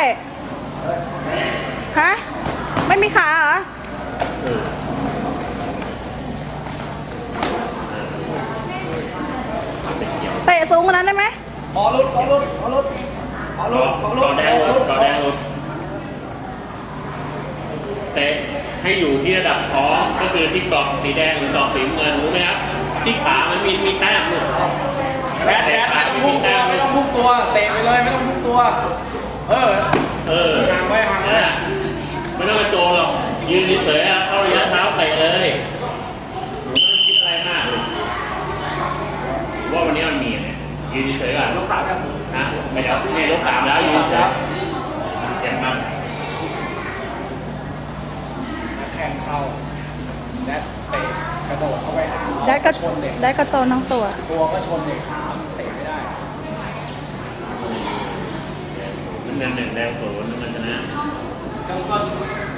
ฮะ ไม่มีขาเหรอ เตะสูงกว่านั้นได้ไหมขอรุดต่อแดงรุดเตะให้อยู่ที่ระดับท้องก็คือที่กรอบสีแดงหรือกรอบสีเงินรู้ไหมครับที่ขามันมีแต้มลูกแบทไม่ต้องพุ่งตัวไม่ต้องพุ่งตัวเตะไปเลยไม่ต้องพุ่งตัวห่างไว้ไม่ต้องกระโจนหรอกยืนเฉยๆเข้าระยะเท้าเตะเลยไม่ต้องคิดอะไรมากว่าวันนี้มันมีเนี่ยยืนเฉยๆก่อนยกขาแบบนะไม่เดี๋ยวเนี่ยยก3แล้วยืนเฉยเจ็บมากแทงเข้าแดดเตะกระโดดเข้าไปหาได้กระชนเด็กได้กระโจนทั้งตัวตัวก็ชนเด็กขาเตะไม่ได้น้ำเงิน1 แดง 0น้ำเงินชนะข้างต้น